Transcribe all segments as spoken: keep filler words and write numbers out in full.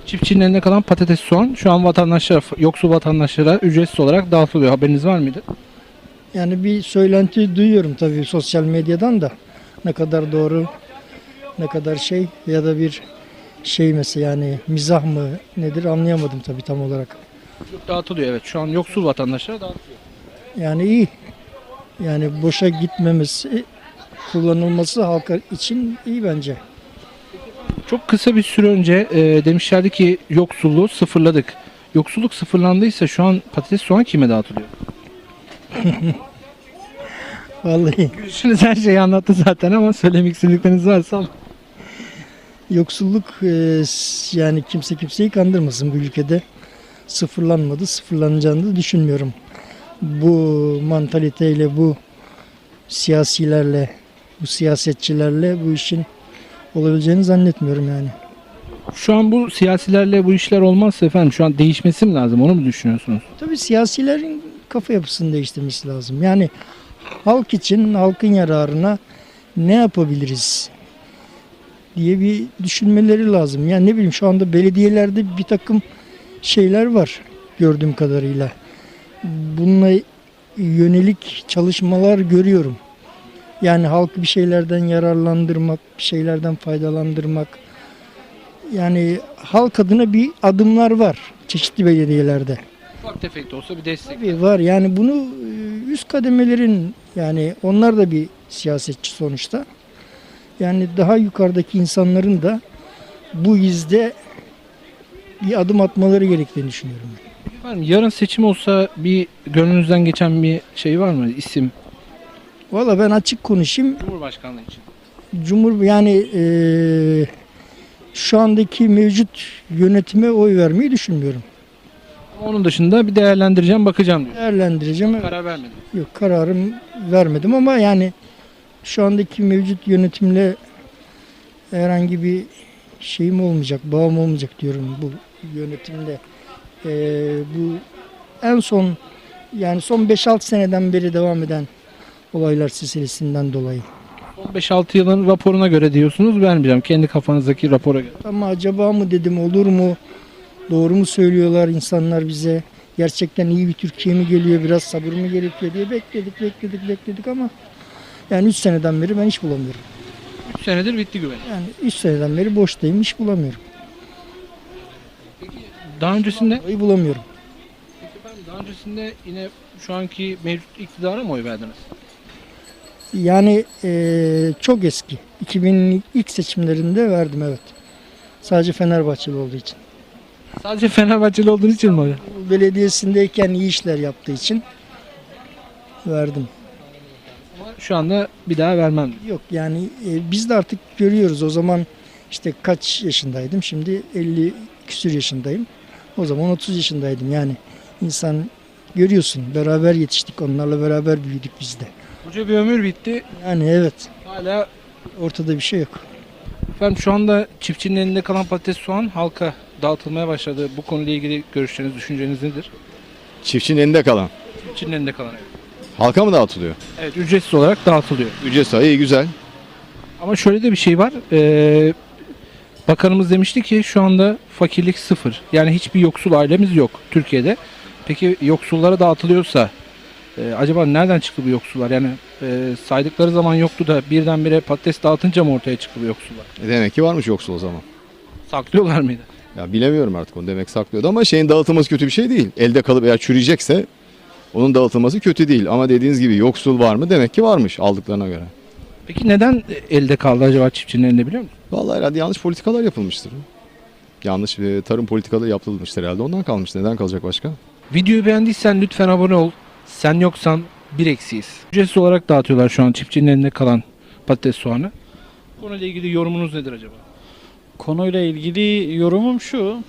Çiftçinin elinde kalan patates, soğan şu an vatandaşlara, yoksul vatandaşlara ücretsiz olarak dağıtılıyor. Haberiniz var mıydı? Yani bir söylenti duyuyorum tabii sosyal medyadan da. Ne kadar doğru, ne kadar şey ya da bir şey mesela yani mizah mı nedir anlayamadım tabii tam olarak. Dağıtılıyor, evet. Şu an yoksul vatandaşlara dağıtılıyor. Yani iyi. Yani boşa gitmemesi, kullanılması halka için iyi bence. Çok kısa bir süre önce e, demişlerdi ki yoksulluğu sıfırladık. Yoksulluk sıfırlandıysa şu an patates, soğan kime dağıtılıyor? Vallahi Gülüşünüz her şeyi anlattı zaten ama söylemek istedikleriniz varsa. yoksulluk e, s- yani kimse kimseyi kandırmasın bu ülkede. Sıfırlanmadı, sıfırlanacağını da düşünmüyorum. Bu mantaliteyle, bu siyasilerle, bu siyasetçilerle bu işin olabileceğini zannetmiyorum yani. Şu an bu siyasilerle bu işler olmazsa efendim şu an değişmesi mi lazım, onu mu düşünüyorsunuz? Tabii siyasilerin kafa yapısını değiştirmesi lazım. Yani halk için, halkın yararına ne yapabiliriz diye bir düşünmeleri lazım. Yani ne bileyim şu anda belediyelerde bir takım şeyler var gördüğüm kadarıyla. Bununla yönelik çalışmalar görüyorum. Yani halkı bir şeylerden yararlandırmak, bir şeylerden faydalandırmak. Yani halk adına bir adımlar var çeşitli belediyelerde. Ufak tefek de olsa bir destek. Tabii var yani bunu e, üst kademelerin yani onlar da bir siyasetçi sonuçta. Yani daha yukarıdaki insanların da bu izde bir adım atmaları gerektiğini düşünüyorum. Efendim, yarın seçim olsa bir gönlünüzden geçen bir şey var mı? İsim, Valla ben açık konuşayım. Cumhurbaşkanlığı için. Cumhur yani e, şu andaki mevcut yönetime oy vermeyi düşünmüyorum. Onun dışında bir değerlendireceğim, bakacağım diyor. Değerlendireceğim. Karar vermedim. Yok kararım vermedim ama yani şu andaki mevcut yönetimle herhangi bir şeyim olmayacak, bağım olmayacak diyorum bu yönetimle. Ee, bu en son yani son beş altı seneden beri devam eden olaylar silsilesinden dolayı. Son beş altı yılın raporuna göre diyorsunuz, vermeyeceğim. Kendi kafanızdaki rapora göre. Ama acaba mı dedim olur mu? Doğru mu söylüyorlar insanlar bize? Gerçekten iyi bir Türkiye mi geliyor? Biraz sabır mı gerekiyor diye bekledik, bekledik, bekledik ama yani üç seneden beri ben iş bulamıyorum. üç senedir bitti güven. Yani üç seneden beri boştayım, iş bulamıyorum. Daha öncesinde Oy bulamıyorum. Peki efendim, daha öncesinde yine şu anki mevcut iktidara mı oy verdiniz? Yani eee, çok eski. iki bin ilk seçimlerinde verdim evet. Sadece Fenerbahçeli olduğu için. Sadece Fenerbahçeli olduğunuz için mi oy? Belediyesindeyken iyi işler yaptığı için verdim. Ama şu anda bir daha vermem. Yok yani e, biz de artık görüyoruz o zaman işte kaç yaşındaydım şimdi elli küsür yaşındayım. O zaman otuz yaşındaydım yani insan görüyorsun beraber yetiştik onlarla beraber büyüdük biz de. Koca bir ömür bitti. Yani evet Hala ortada bir şey yok. efendim şu anda çiftçinin elinde kalan patates, soğan halka dağıtılmaya başladı. Bu konuyla ilgili görüşleriniz, düşünceniz nedir? Çiftçinin elinde kalan. Çiftçinin elinde kalan, evet. Halka mı dağıtılıyor? Evet, ücretsiz olarak dağıtılıyor. Ücretsiz. İyi güzel. Ama şöyle de bir şey var. Ee, bakanımız demişti ki şu anda fakirlik sıfır. Yani hiçbir yoksul ailemiz yok Türkiye'de. Peki yoksullara dağıtılıyorsa e, acaba nereden çıktı bu yoksullar? Yani e, saydıkları zaman yoktu da birdenbire patates dağıtınca mı ortaya çıktı bu yoksullar? E demek ki varmış yoksul o zaman. Saklıyorlar mıydı? Ya bilemiyorum artık onu demek saklıyordu ama şeyin dağıtılması kötü bir şey değil. Elde kalıp eğer çürüyecekse onun dağıtılması kötü değil. Ama dediğiniz gibi yoksul var mı? Demek ki varmış aldıklarına göre. Peki neden elde kaldı acaba çiftçinin elinde, biliyor musun? Vallahi herhalde yanlış politikalar yapılmıştır. Yanlış bir tarım politikaları yapılmıştır herhalde. Ondan kalmış. Neden kalacak başka? Videoyu beğendiysen lütfen abone ol. Sen yoksan bir eksiyiz. Ücretsiz olarak dağıtıyorlar şu an çiftçinin elinde kalan patates, soğanı. Konuyla ilgili yorumunuz nedir acaba? Konuyla ilgili yorumum şu.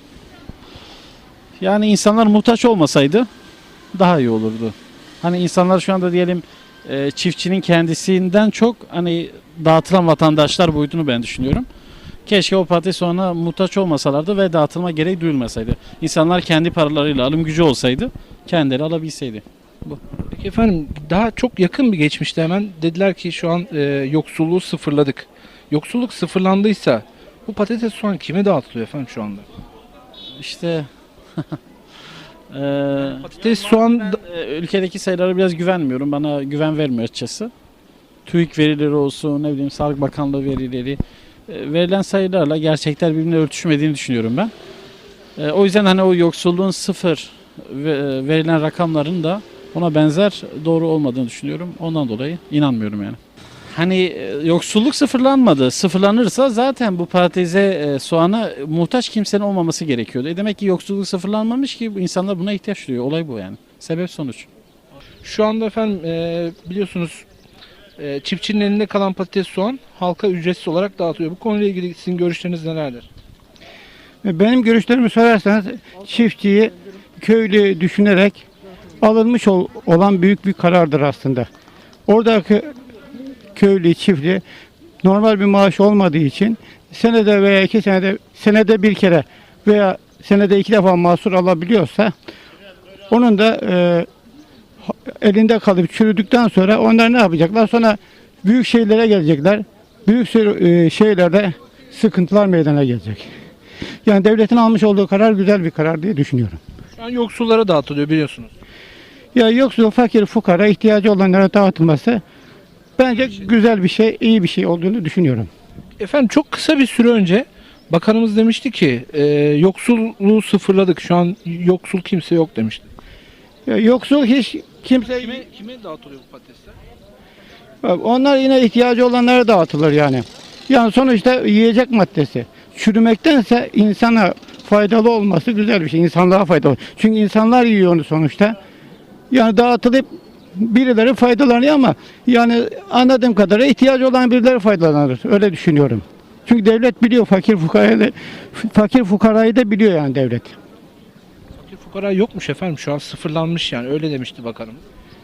Yani insanlar muhtaç olmasaydı daha iyi olurdu. Hani insanlar şu anda diyelim e, çiftçinin kendisinden çok hani dağıtılan vatandaşlar boyutunu ben düşünüyorum. Keşke o patates soğana muhtaç olmasalardı ve dağıtılma gereği duyulmasaydı. İnsanlar kendi paralarıyla alım gücü olsaydı kendileri alabilseydi. Peki efendim, daha çok yakın bir geçmişte hemen dediler ki şu an e, yoksulluğu sıfırladık. Yoksulluk sıfırlandıysa bu patates, soğan kime dağıtılıyor efendim şu anda? işte eee, Patates, soğan ben, e, ülkedeki sayılara biraz güvenmiyorum. Bana güven vermiyor açıkçası. TÜİK verileri olsun, ne bileyim Sağlık Bakanlığı verileri, e, verilen sayılarla gerçekler birbirine örtüşmediğini düşünüyorum ben. E, o yüzden hani o yoksulluğun sıfır ve, e, verilen rakamların da ona benzer doğru olmadığını düşünüyorum. Ondan dolayı inanmıyorum yani. Hani e, yoksulluk sıfırlanmadı. Sıfırlanırsa zaten bu patatese, e, soğana muhtaç kimsenin olmaması gerekiyordu. E demek ki yoksulluk sıfırlanmamış ki insanlar buna ihtiyaç duyuyor. Olay bu yani. Sebep sonuç. şu anda efendim e, biliyorsunuz e, çiftçinin elinde kalan patates, soğan halka ücretsiz olarak dağıtılıyor. Bu konuyla ilgili sizin görüşleriniz nelerdir? Benim görüşlerimi sorarsanız çiftçiyi köylü düşünerek alınmış ol- olan büyük bir karardır aslında. Oradaki köylü, çiftli normal bir maaş olmadığı için senede veya iki senede senede bir kere veya senede iki defa mahsur alabiliyorsa onun da e, elinde kalıp çürüdükten sonra onlar ne yapacaklar? Sonra büyük şeylere gelecekler. Büyük e, şeylerde sıkıntılar meydana gelecek. Yani devletin almış olduğu karar güzel bir karar diye düşünüyorum. Şu an yoksullara dağıtılıyor biliyorsunuz. Ya yoksul, fakir, fukara, ihtiyacı olanlara dağıtılması bence güzel bir şey, iyi bir şey olduğunu düşünüyorum. Efendim çok kısa bir süre önce bakanımız demişti ki e, yoksulluğu sıfırladık. Şu an yoksul kimse yok demişti. Ya yoksul hiç kimse... Kime, kime dağıtılıyor bu patatesler? Onlar yine ihtiyacı olanlara dağıtılır yani. Yani sonuçta yiyecek maddesi. Çürümektense insana faydalı olması güzel bir şey. İnsanlığa faydalı. Çünkü insanlar yiyor onu sonuçta. Yani dağıtılıp birileri faydalanıyor ama yani anladığım kadarıyla ihtiyacı olan birileri faydalanır. Öyle düşünüyorum. Çünkü devlet biliyor fakir fukarayı da, fakir fukarayı da biliyor yani devlet. Fakir fukara yokmuş efendim. Şu an sıfırlanmış yani. Öyle demişti bakanımız.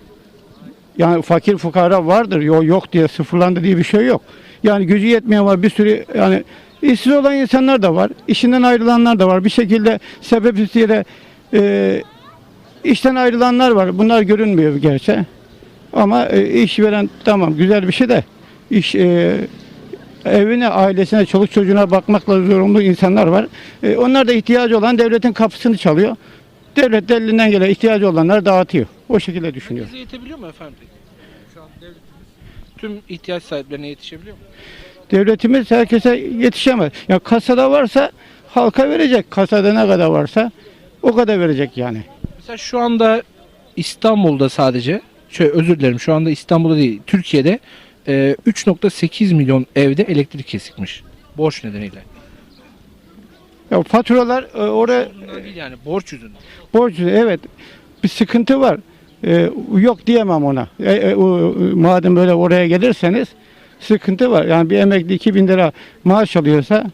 Yani fakir fukara vardır. Yok, yok diye sıfırlandı diye bir şey yok. Yani gücü yetmeyen var bir sürü yani işsiz olan insanlar da var. İşinden ayrılanlar da var. Bir şekilde sebepsiz e, işten ayrılanlar var. Bunlar görünmüyor gerçi. Ama e, iş veren tamam güzel bir şey de iş e, evine, ailesine, çoluk çocuğuna bakmakla zorunlu insanlar var. E, onlar da ihtiyacı olan devletin kapısını çalıyor. Devlet de elinden gelen ihtiyacı olanları dağıtıyor. O şekilde düşünüyorum. Herkese yetebiliyor mu efendim peki? Şu an devletimiz tüm ihtiyaç sahiplerine yetişebiliyor mu? Devletimiz herkese yetişemez. Ya kasada varsa halka verecek. Kasada ne kadar varsa o kadar verecek yani. Mesela şu anda İstanbul'da sadece, şöyle özür dilerim şu anda İstanbul'da değil, Türkiye'de e, üç nokta sekiz milyon evde elektrik kesikmiş. Borç nedeniyle. Ya faturalar e, oraya Bundan değil yani borç yüzünden. borç evet bir sıkıntı var. E, yok diyemem ona. E, e, o, madem böyle oraya gelirseniz sıkıntı var. Yani bir emekli iki bin lira maaş alıyorsa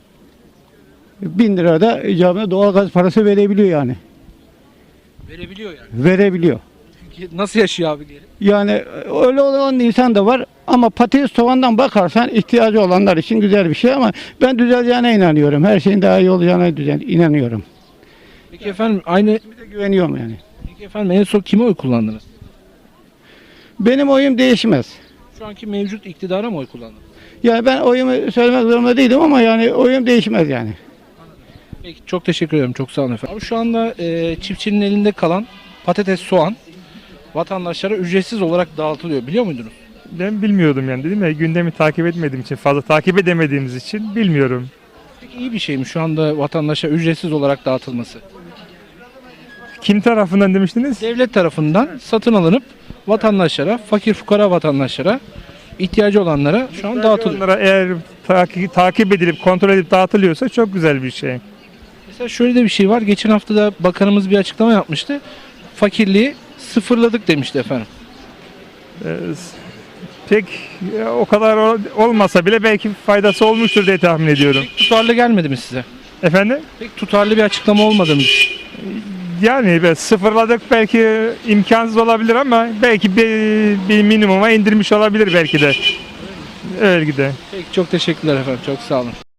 bin lira da icabına doğalgaz parası verebiliyor yani. Verebiliyor yani. Verebiliyor. Peki nasıl yaşıyor abi geri? Yani öyle olan insan da var ama patates soğandan bakarsan ihtiyacı olanlar için güzel bir şey ama ben düzeleceğine inanıyorum. Her şeyin daha iyi olacağına düzen, inanıyorum. Peki efendim aynı Bir de güveniyorum yani. peki efendim en son kime oy kullandınız? Benim oyum değişmez. Şu anki mevcut iktidara mı oy kullandınız? Yani ben oyumu söylemek zorunda değilim ama yani oyum değişmez yani. Peki çok teşekkür ederim. Çok sağ olun efendim. Abi şu anda e, çiftçinin elinde kalan patates, soğan vatandaşlara ücretsiz olarak dağıtılıyor. Biliyor muydunuz? Ben bilmiyordum yani dedim ya gündemi takip etmediğim için fazla takip edemediğimiz için bilmiyorum. Peki iyi bir şey mi şu anda vatandaşa ücretsiz olarak dağıtılması? Kim tarafından demiştiniz? Devlet tarafından satın alınıp vatandaşlara, fakir fukara vatandaşlara, ihtiyacı olanlara şu an dağıtılıyor. Onlara eğer takip, takip edilip kontrol edip dağıtılıyorsa çok güzel bir şey. Mesela şöyle de bir şey var. Geçen hafta da bakanımız bir açıklama yapmıştı. Fakirliği sıfırladık demişti efendim. Ee, pek e, o kadar ol- olmasa bile belki faydası olmuştur diye tahmin ediyorum. Tutarlı gelmedi mi size? Efendim? Pek tutarlı bir açıklama olmadı mı? Yani be, sıfırladık belki imkansız olabilir ama belki bir, bir minimuma indirmiş olabilir belki de. Öyle de. Peki çok teşekkürler efendim. Çok sağ olun.